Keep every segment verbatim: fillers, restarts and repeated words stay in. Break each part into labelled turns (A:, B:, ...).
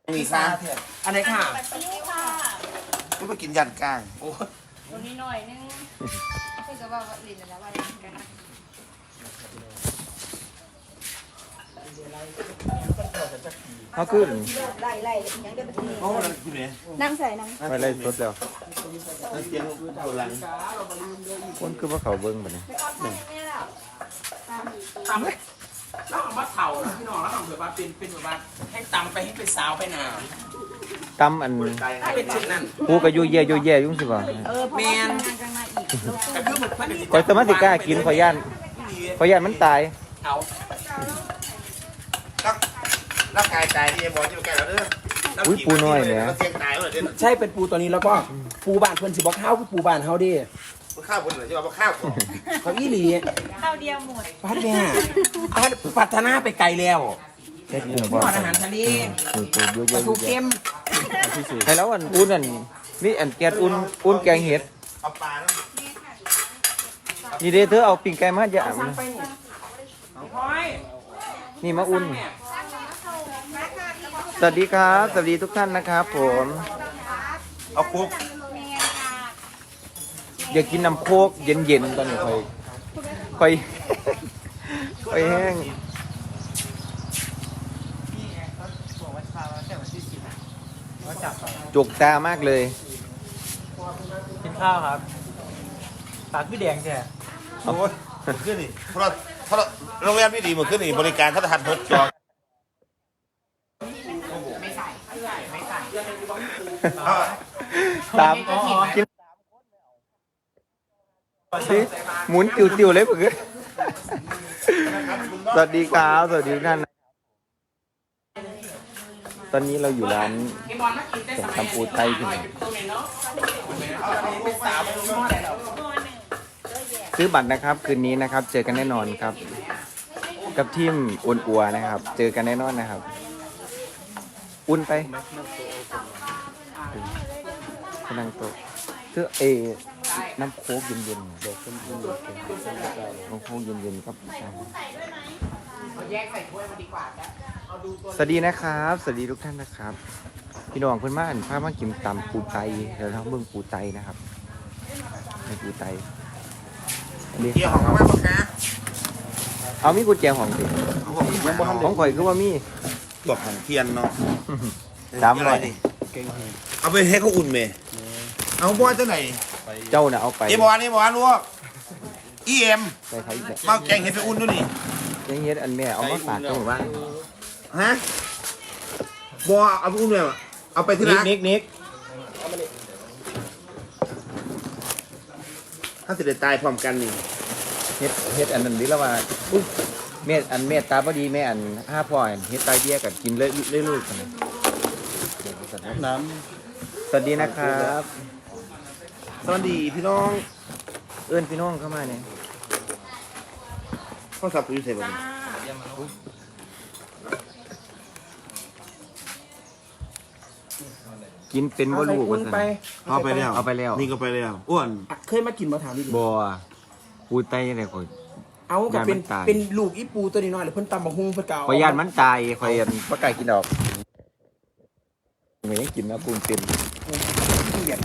A: มีค่ะ
B: อันไหนค่ะ
A: ไม่ไปกินยันก้างโอ้
C: ตรงนี้หน่อยนึงคือจะว่าลินแล้วว่ากันนะ
D: เขาขึ้น
C: ไล่ไล่ยังได้ไปที่นี่
A: โอ้นั่นคือเนี่ย
C: นั่งใส่นั่ง
D: ไปไล่สดแล้ว
A: นั่นเตียงตัวหลัง
D: คนคือว่าเขาเบิ้งแบบนี้
B: ตำแล้วเอามาเผาแล้วพี่น้องแล้วเอาแบบว่าเป็นเป็นแบบว่าให้ตำไปให้เป็นสาวไปหนา
D: ตำอัน
B: ให้เป็นเช่นนั้น
D: ปูกระยุยแย่ยุยแย่ยุ่งสิบ่ะ
C: เออแมนกันมาอีก
B: แต่คือมันเป็น
D: คอยสมาธิกล้ากินขอย่านขอย่านมันตาย
B: เอา
A: รักร่างกายตายที่บอกอยู่แก่แล้วเด้อเสียงตายเลยเด้อ
B: ใช่เป็นปูตัวนี้แล้วก็ปูบ้านเพื่อนสิบอกข้าวคือปูบ้านเฮาดิ
A: มันข้าวคนเหรอใช่ป่ะข้าวก่อน
B: เขาอีหลี
C: ข้าวเดียวหมด
B: พัดแม่พัฒนาไปไกลแล้ว
D: เฮ็ดกุ้ง
B: ท
D: บ่
B: อดอาหารทะเล
D: ปูปูยุย
B: ป
D: แย่
B: ลา
D: ยุ
B: ทู
D: ยแย่
B: เค็ม
D: ใครแล้วอันอุ่นอันมีอันแกงอุ่นอุ่นแกงเห็ด
A: เอาปลาแล้ว
D: นี่เด้อเธอเอาปิ้งไก่มาอย่า
B: สั่งไปนี่ห้อย
D: นี่มาอุ่นสวัสดีครับสวัสดีทุกท่านนะครับผม
A: เอาคุก
D: อยากกินน้ำโคกเย็นๆตอนนี้ค่อยค่อยค่อยแห้งจุกตามากเลย
E: กินข้าวครับปากพี่แดงแท้
A: โอ้ยขึ้นนี่เพราะเพราะโรงแรมนี่ดีหมดขึ้นนี่บริการทัศนทดจอ
D: ตามกินสิหมุนติวๆเลยเพื่อนสวัสดีครับสวัสดีทุกท่านตอนนี้เราอยู่ร้านสมตำปูไทยที่ไหนซื้อบัตรนะครับคืนนี้นะครับ เจอกันแน่นอนครับ กับทีมอุ่นอัวนะครับ เจอกันแน่นอนนะครับ อุ่นไปพนังโตะเพื่อเอน้ำโค้กเย็นๆเดี๋ยวขึ้นขึ้นน้ำโค้กเย็นๆครับสวัสดีนะครับ สวัสดีทุกท่านนะครับ พี่น้องเพื่อนบ้านพามากินตำปูไตเดี๋ยวเราเบิ่งปูไตนะครับในปูไต
A: เกี่ยวของเขาบ้างปะคะ
D: เอามีกุญแจของสิ
A: ยังบ่ทัน
D: ของข่อยคือว่ามี
A: ตกของเทียนเนาะ
D: สามร้อย
A: เอาไปให้เขาอุ่นเมย์เอาบอลเจ้าไหน
D: เจ้าน่ะเอาไป
A: เอบอลนี่บอลลูกอีเอ็ม
D: ไปใครอีก
A: มาแกงเห็ดไปอุ่นด้วยนี่
D: ยังเฮ็ดอันแม่เอามาฝากเจ้าหมู่บ้าน
A: ฮะบอลเอาไปอุ่นเลยเอาไปที่
D: นิก
A: ร้าน
D: นิกนิก
A: ถ้าสิเดตายพร้อมกันนี่
D: เฮ็ดเฮ็ดอันนั้นดิแล้วว่าอุ๊ยแม่อันแม่ตาบ่ดีแม่อันห้าพ่ออันเฮ็ดไตเบี้ยกันกินเลยเรื่อยๆกันนะ
A: น้
D: สวัสดีนะครับ
A: ำสวัสดีพี่น้อง
D: เอื้อนพี่น้องเข้ามาเนี่ย
A: ข้าวสับอยู่ใส่บ่เนี่ย
D: กินเป็นบ่รู้ว่าซั่น
A: เอาไปแล้ว
D: เอาไปแล้ว
A: นี่ก็ไปแล้วอ้วน
B: เคยมากินมาถามดิ
D: บ่ปูไตจังได๋ข่อย
B: เอากับเป็น
D: ยานมันตาย
B: เป็นลูกอีปูตัวนี้น้อยหรือเพิ่นตำบักฮุ้งเพิ่นเก่า
D: ข่อยย่านมันตายข่อยอันบ่กล้ากินดอกไม่กินนะปูนเต็ม
B: ขี้เกียจนะ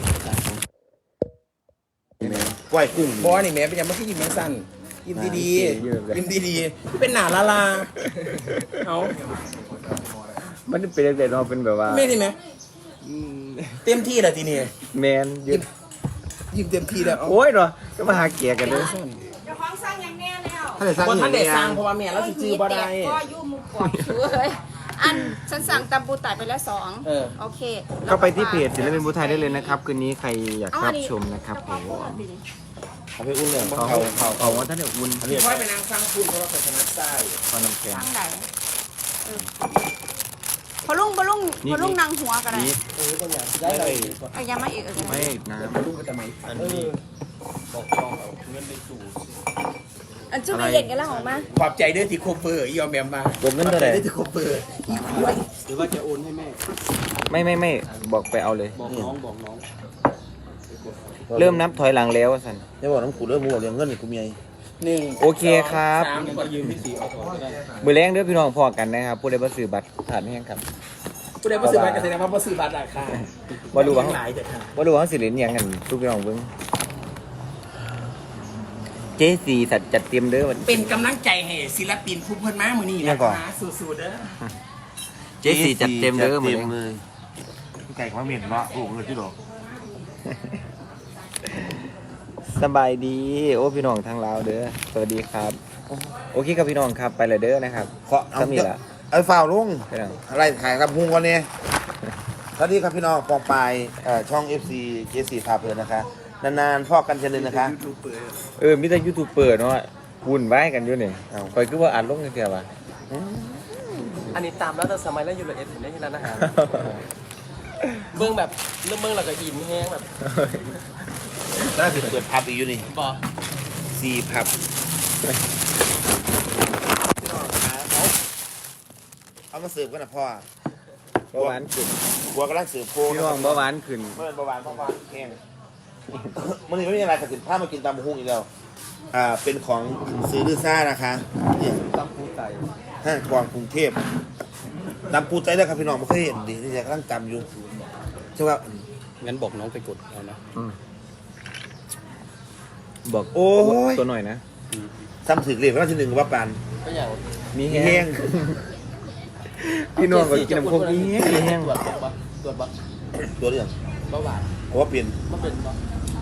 A: กล้วยกุ้ง
B: บอนี่แม่เป็นยังไม่ขี้ยิ้มแมงสั้นยิ้มดีๆยิ้มดีๆเป็นหนาลาลาเอา
D: มันเป็นจังได๋เนาะเป็นแบบว่า
B: ไม่ได้ไหมเต็มที่แล้วทีนี้
D: แมนยืน
B: ยิ้มเต็มที่แล้วเอา
D: โอ้ยเนาะก็มาหาเกียกันเด้อ
C: เจ้าของสร้างอย่างแน่แล้ว
A: ถ้าได้สร้าง
B: บ่
A: อีก
B: ทันได้
A: เนี่ย
B: สร้างเพราะว่าแม่เราสิจื้อบ่ได้
C: ก็ยุ่มุกกอดเลยอันฉันสั่งตำปูไต่ไปแล้วสอง
B: เออ
C: โอเค
D: ก็ไปที่เพจศิลปินภูไทยได้เลยนะครับคืนนี้ใครอยากรับชมนะครับผม
A: เอาไปอุ่นเลย
D: เขาเขาเขาเขาว่าท่านเดี๋ยวอุ่น
B: ค่อยไปนางสร้างคุณเพราะว่าเป็นชนะใต้
D: พอน้ำแข็ง
C: ทางไหนเออพอลุงพอลุงพอลุงนางหัวกันเลย
D: นี่
B: เออก็อย่างได้เลย
C: เอ้ยยังไม่อีกเออ
D: ไม่น้
B: ลูกก็จะไม่อันนี้บอกจองเอาเงินไปสู่
C: อันจุ๊บไปเล่นกันแล้วของมา
B: ขอบใจเด้อที่โคเปอร์อีออมแมมมา
D: ำผมเงินเท่าไหร่
B: ได้ที่โคเปอร์อีกล้วย
E: หรือว่าจะโอนให้แม่
D: ไม่ไม่ไม่บอกไปเอาเลย
E: บอกน้องบอกน้อง
D: เริ่มนับถอยหลังแล้วสัน
A: อย่าบอกน้ำกูเริ่มมัวเรื่องเงินนี่กูมีไอ้
B: หนึ่ง
D: โอเคครับ
B: สาม
E: ก็ยืมพี่สีเอาก่อนก็ได้
D: มือแรงเด้อพี่น้องพอกันนะครับผู้ใดบ่ซื้อบัตรผ่านแห้งครับ
B: ผู้ใดบ่ซื้อบัตรก็แสดงว่าบ่ซื้อบัตรราคา
D: บ่รู้ว่า
B: หลายแต่ค่ะ
D: บ่รู้ว่าสิเล่นหยังกันทุกพี่น้องเบิ่งเจสี่สัตว์จัดเตรียมเด้อ
B: เป็นกำลังใจให้ศิลปินผู้เพิ่นมามื้อนี้นะคะสู้ๆเด้อ
D: เจสี่จัดเต็มเด้อมื้อ
A: จัดต็
D: นี้
A: เลยไก่ความเหม็นเนาะโอ้โหเงินที่ดอก
D: สบายดี โอ้พี่น้องทางลาวเด้อสวัสดีครับ โอเคครับพี่น้องครับไปเลยเด้อนะครับ
A: ขอเอา
D: ก็มีละ
A: ไอ้ฝ่าวลุง
D: พี่น้อง
A: อะไรถ่ายกับพุงวันนี้สวัสดีครับพี่น้องปองปายเอ่อช่อง เอฟ ซี เจ สี่ พาเพลินนะคะนานๆพ่อกันเชนนึงนะคะ
D: เออมีแต่ยูทูบเบอร์เนาะวุ่นวายกันอยู่นี่
A: เอ้า
D: คอยคือว่าอ่านลงจังซี่ว่ะ
E: อันนี้ตามแล้วแต่สมัยแล้วอยู่เลยเอ็ดเห็นได้ที่ร้านอาหารเบื้องแบบเริ่มเบื้องเราก็อิ่มแห้งแบบ
A: น่าจะเปิดพับอีกอยู่นี่
E: บอ
A: สี่พับเอามาเสิร์ฟกันนะพ่อ
D: เบาหวานขึ้น
A: บัวกำลังเสิร์ฟโค
D: พี่น้องเบาหวานขึ้น
A: เมื่อเบาหวานเพราะว่าแห้งมันนี่ไม่มีอะไรกับสินผ้ามากินตำหุ้งอีกแล้วอ่าเป็นของซื้อดื้อซ่านะคะเนี่ย
D: ตำปูไต
A: ห้างกวางกรุงเทพตำปูใจได้ครับพี่น้องไม่เคยเห็นดินี่จะกำลังตำอยู่ใช่ป่ะ
B: งั้นบอกน้องไปกดเอานะ
D: บอก
A: โอ้ย
D: ตัวหน่อยนะ
A: ซ้ำถึกเรียกว่าที่หนึ่งว่าปาน
E: ก็อย่าง
D: มี
A: มี
D: แห้
A: แห้
D: ง
A: ง
D: พี่น้องก็กินน้ำโคกมีแห้งมีแห้ง
E: ตรวจบักตรวจบัก
A: ตัวเรื่อง
E: เบาหวาน
A: เพราะว่าเปลี่ยน
E: มันเป็นบัก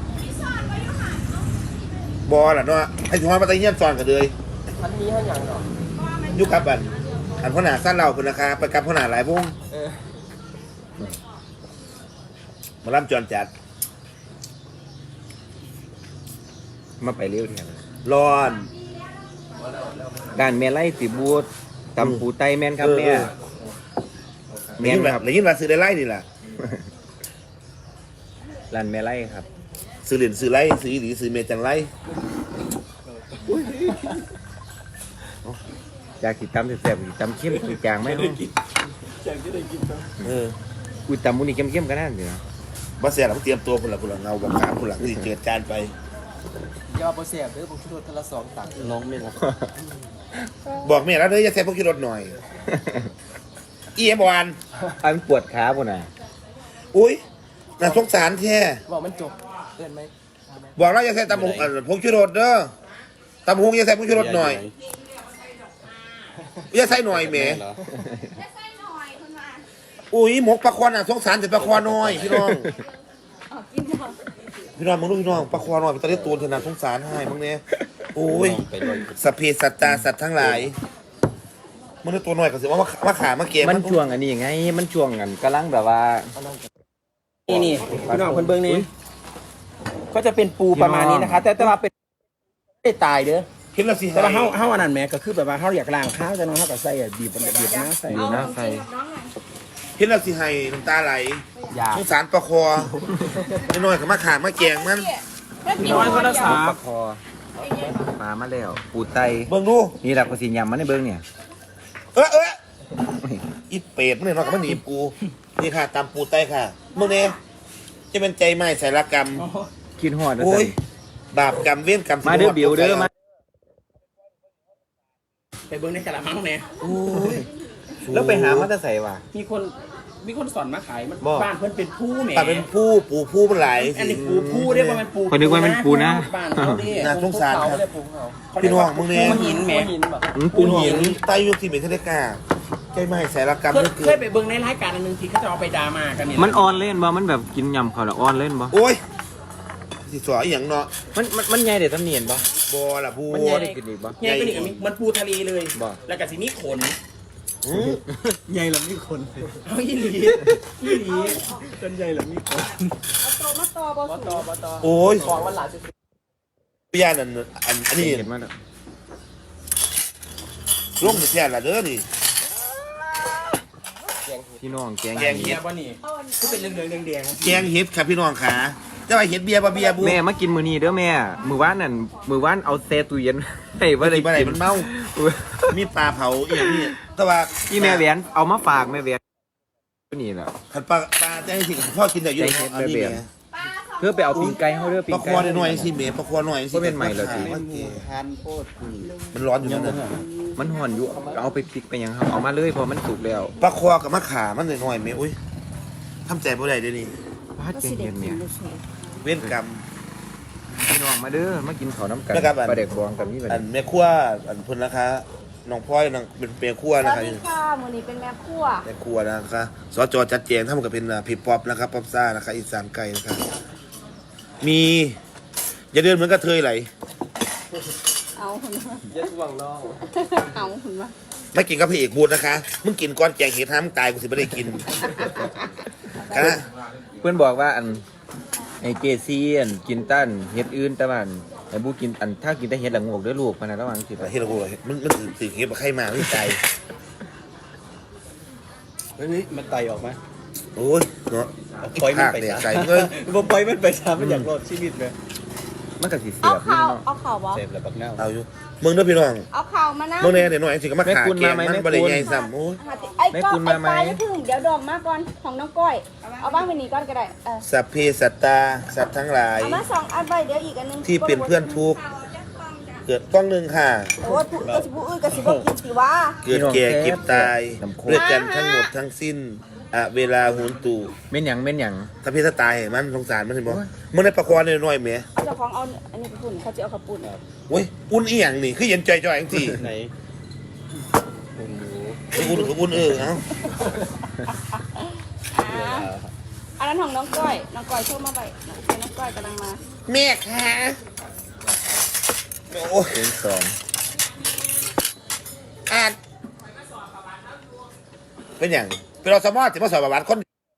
A: บอลล่ะเนาะให้ช้อนมาตะเงียบซอนกันเลย
E: อันนี้ให้อย่างเนาะ
A: ยุคกับอันอันพ่อหนาสั้นเราคุณนะคะไปกับพ่อหนาหลายวง
E: เออ
A: มาล่ำจอนจัด
D: มาไปเร็วเทียน
A: ร้อน
D: ด้านแม่ไล่สิบูดตำปูไตแม่นครับ
A: เออ
D: แม่
A: แม่นแบบเลยยิ่งมาซื้อได้ไล่นี่ล่ะ
D: ร้านแม่ไล่ครับ
A: ซื้อเหรียญซื้อไล่ซื้อหรือซื้อเมจังไล่
D: อยากสิตำแซ่บๆสิตำเข้มสิจางไหมเนาะ
A: เออ
D: อุ้ยตำมูนี่เข้มๆก็ได้สิเนาะ
A: บ้าเสียหลังเตรียมตัวคนละคนละเงาแบบขามคนละที่เกิดการไป
E: อย่าเอาโปรเสียบหรือผมชุดทละสองตังค์น้องเมน
A: บอกแม่แล้วเด้ออย่าแซ่บพวกขี่รถหน่อยอีเอ็มบอล
D: อันปวดขาปุ่นน่ะ
A: อุ้ยน่าสงสารแท้
E: บอกมันจบเกินไหม
A: บอกแล้วอย่าใส่ตำหงอ่ะพงชูรสเด้อตำหงอย่าใส่พงชูรสหน่อยอย่าใส่หน่อยแหมอุ้ยหมกปลาควานอ่ะสงสารแต่ปลาควานน้อยพี่น้องพี่น้องมึงรู้พี่น้องปลาควานน้อยตอนนี้ตัวเธอน่ะสงสารให้มึงเนี่ยโอ้ยสัพเพสัตตาสัตว์ทั้งหลายมึงได้ตัวน้อยก็สิว่ามาขามาเกม
D: มันช่วงอันนี้ไง มันช่วงกันกำลังแบบว่า
B: นี่นี่พี่น้องคนเบิ่งนี่ก็จะเป็นปูประมาณนี้นะคะ แต่แต่ว่าเป็นไม่ได้ตายเด้อ
A: คิดแล้วสิ
B: แต่ว่าเฮาเฮาอันนั้นแหม่ก็คือแบบว่าเฮาอยากล้างข้าวแต่น้องเฮาก็ใส่บีบบีบน้ำใส่
D: ดีนะใส่
A: คิดแล้วสิให้น้ำตาไหล
B: อยาก
A: สงสารปลาคอน้อยๆก็มาขามาแกงมัน
B: น้อยก็รักษา
D: ปลาคอปลามาแล้ว ปูไต
A: เบิ่งดู
D: นี่แหละก็สิยำมันในเบิ้งเนี่ย
A: เออเอออีเป็ดมึงเนี่ยนอนกับมันหนีบกู นี่ค่ะตามปูไตค่ะมึงเนี่ยจะเป็นใจไม้สารกรรม
D: กินหอดนะ
A: โอ้
D: ใส่
A: ยบาปกรรมเวียนกรรม
D: มาเด้อบิวเด้อมา
B: ไปเบิ่งในกะละมังเนี่ย
A: โอ้ย
D: แล้วไปหามาแต่ใส่ว่ะ
B: มีคนมีคนสอนมาขายมัน
D: บ่
B: บ้านเพิ่นเป็นผู้แหม่
A: ปาเป็นผู้ปูผู้มันหลาย
B: อันนี้ปูผู้เรียกว่ามันปู
D: คนนึกว่ามันปูนะ
B: บ้านเขาดิ
A: น่าสงสาร
E: เขา
A: ครับ
E: เรียกปูเขา
A: พี่น้องมึงเนี่ย
B: ปูหินแหม่
E: หินแบบ
D: อืมปูหิน
A: ไตยุคที่เป็นเทเลกาใจไม้สารกรรม
B: เคย
A: นี่เกิ
B: เคย
A: ด
B: ไปเบิ่งในรายการอันหนึงที่เขาจะเอาไปดราม่ากันเนี่ย
D: มันออนเล่นบ่ มันแบบกินยำเขาแล้วออนเล่นบ่
A: โอ้ยสิสอยอหย่างเนาะ
D: มันมันมันใหญ่เด็ดทำเนียนบ่
A: บอล่ะบู
D: มันใหญ่เด็ดกินอีกบ่
B: ใหญ่ก็นี่ก็มีมันปูทะเลเลย
D: บ่
B: แล้วก็สิมีขน
A: อืม
B: ใหญ่แล้วมีขนเอาอีหลีอีหลีจนใหญ่แล้วมีขน
C: โตมาต่อบอ
E: ป
C: สู
E: ตอปตอ
A: โอ้ย
E: ของมันหลายสิบ
A: พี่ยานั่นอันอันนี้
D: เห็นมันอะ
A: ร่มเสียละเด้อนี่
D: พี่น้องแกง
A: แกง
B: เบี
A: เห็
B: ย
A: ด
B: ร์ป่ะนี่ก็เป็นเรื่องๆแดงๆ
A: แกงเห็ดครับพี่น้องขาจะไปเห็ดเบียร์บ่เบียร์บู
D: แม่มากินมื้อนี้เด้อแม่ มื้อวานนั่นมื้อวานเอาแช่ตู้เย็น ให้บ่ได้
A: ที่บ่ได้
D: กิน
A: มันเมามีปลาเผาอีหยังนี่แต่ว่า
D: พี่แม่แหวนเอามาฝากแม่แหวนนี่แหละ
A: ขันปลาปลาแจ้งสิพ่อกินได้อยู่
D: ใจเห็ด
A: อันนี้
D: แบบ
A: แม่
C: ปลาสอ
D: เพื่อไปเอาปีงไก่เขาเด้อปี
A: ปลาง ค
D: ไก่
A: อหน่อยสิเมย์ปลาคอหน่อยสิ
D: ก็เป็นใหม่เหรอจี
A: มันร้อนอยู่นั่นน่ะ
D: มันห่อนอยู่เอาไปพริกไปยังครับเอามาเลยเพอมันสุกแล้ว
A: ปลาคอกับมะขามันหน่อยๆเมย์อุ้ยทำใจบ่ได้เดี๋ยวนี้
D: พาดเย็นเย็นเนี่ย
A: เว้นกรรม
D: พี่น้องมาเด้อมากินข้าวน้ำกัน
A: นะครับอัน
D: ปลาเด็กบองกับนี่แบบ
A: อันแม่ครัวอันเพิ่นนะคะน้องพลอยน้องเป็นแม่ครัว
C: ส
A: นะ
C: วัส
A: คะ
C: ดีค่ะมือนี้เป็นแม่ครัว
A: แม่ครัวนะคะสจจัดแจงทั้งหมดก็เป็นพี่ป๊อปนะครับป๊อปซ่านะคะอีสานไก่นะคะมีอย่าเดินเหมือนกระเทยไหล
C: เอาหุ่นมา
E: เย็ดวังนอก
C: เอาหุ่นมา
A: ไม่กินกับพระเอกบูดนะคะมึงกินก้อนแกงเห็ดห้ามงตายกูสิไม่ได้กินคณะ
D: เพื่อนบอกว่าอันไอเจซีอันกินตั้นเห็ดอื่นแต่ว่าอันไอบูกินอันถ้ากินแต่เห็ดละงกเด้อลูกพนันระวังสิ
A: เฮ็ดละกูมันมันถือเห็ดมาไข่มาไม่ใจ
E: เฮ้ยมันไตออกไหม
A: โอ้ยเนาะ
E: ปล่อยมัน
A: ภาค
E: ไป
A: เนี่ย
E: ซะ
A: ใส่เงิน
E: บ่ปล่อยมันไปซะมันอยากรอดชีวิตเลย
D: มันก็สิเสี
C: เอา
D: ยบ
C: ข่าว
D: เนาะ
C: เอาข่าวบอ
E: เสพแล้วบักเน่า
A: เอาอยู่มึงเด้อพี่น้อง
C: เอาข่าวมานะ
A: มึงเนี่ยเดี๋ยวหน่อยสิก็มาขาแกงมันบริใหญ่ซ้ำโอ้ย
C: ไอ้ก้อนไอ้ปลายถึงเดี๋ยวดอกมาก่อนของน้องก้อย เอาบ้างไปนี่ก้อนก็ได้เออ
A: สัพเพสัตตาสัตว์ทั้งหลาย
C: เอามาสองอันไปเดี๋ยวอีกอันนึง
A: ที่เป็นเพื่อนทุกข์เกิดกล้องหนึ่งค่ะ
C: โอ้ยผู้กระสิบอุ้ยกระสิบกินสิวะ
A: เกิดแก่เก็บตายด้วยกันทั้งหมดทั้งสิ้นอะเวลาหุนตู่
D: เม่นหยังเม่นหยัง
A: ถ้าพี่ถ้าตายให้มันสงสารมันเห็นบ่มึงได้ประกวดหน่อยๆแหม
C: เอาเจ้าของเอาอันนี้ไปปุ่นเขาจะเอาขับปุ่น
A: โอ้ยอุ่นอีหยังนี่คือเย็นใจจ่อยจังซี่
E: ไหน
A: อุ่นกับอุ่นเออเอ้า
C: อ่าอันนั้นของน้องก้อย น้องก้อยโชว์มาไปน้องก้อยกำลังมา
A: แม่ค่ะโอ้ย
D: เป็นสอง
A: อ่านเป็นหยังเป็นเราสมอสิมาสอบประวัติคน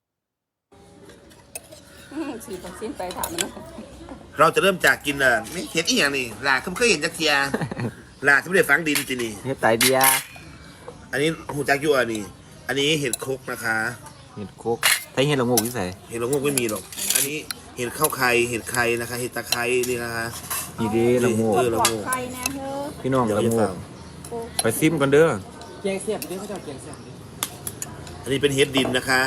C: สี่เปอร์เซ็นต์ไปถามมันนะ
A: เราจะเริ่มจากกินเอ่อไม่เห็นอีหยังนี่ลาเคยเห็นจักเทียลาที่ไม่ได้ฝังดินจีนี่
D: เห็ดไตเดีย
A: อันนี้หูจักอยู่อันนี้ อันนี้เห็ดครกนะคะ
D: เห็ดโคกไทยเห็ดละงกที่ใส่
A: เห็ดละงกไม่มีหรอก อันนี้เห็ดข้าวไข่เห็ดไข่นะคะ เห็ดตะไคร้นี่นะคะ
D: นี่เด้ละงก
A: เออ
C: ปลอดภัยนะเฮ้อ
D: พี่น้อง
A: เดี๋ยว
D: ละ
A: จะ
D: ง
A: ฟั
D: ก
A: ง
D: ไปซิมกันเด้อ
E: แกงเสียบดิเขาจะเอาแกงเสียบดิ
A: อันนี้เป็นเห็ดดินนะคะ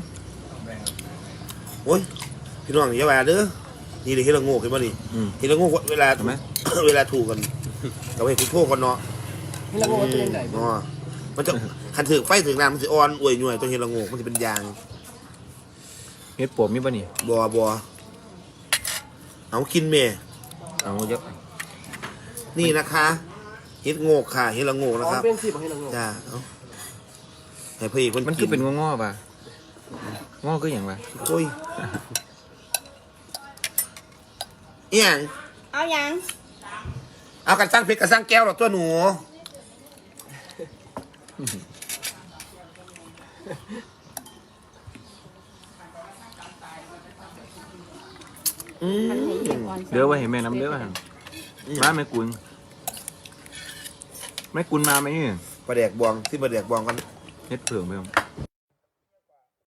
A: โอ้ยพี่น้องอย่าว่าเด้อนี่เลยเห็ดละงกเห็นป่ะนี่
D: อืม
A: เห็ดละงกเวลา
D: เห็นไหม
A: เวลาถูกกันเราให้คุณโทษกันเนาะ
E: ให้เราบอกว่าเป็นยังไง
A: เนาะมันจะคันถึงไฟถึงน้ำมันจะอ่อนอวยหน่วยตัวเห็ดละงกมันจะเป็นยาง
D: เห็ดปวมมีป่ะนี่
A: บัวบัวเอากินเมย์
D: เอาเยอะ
A: นี่นะคะเห็ดโงกค่ะเห็ดละโงก
E: อ๋
A: นะ
E: อ
A: ครับ
E: เป็นสิบให้เรา
A: จ้าเอาให้พี่คน
D: มันคือเป็นงอๆป่ะงอคืออย่างป่ะ
A: โอ้ยเอียง
C: เอายัง
A: เอากันสร้างเพชรกันสร้างแก้วหรอตัวหนูอืม
C: มันให้เย็นก่อน
D: เด้อว่าเห็นแม่น้ำเด้อว่ามาแม่กุลแม่กุลมาไหมนี่
A: ปลาแดกบวงที่ปลาแดกบวงกัน
D: เฮ็ดเผือกไปครับ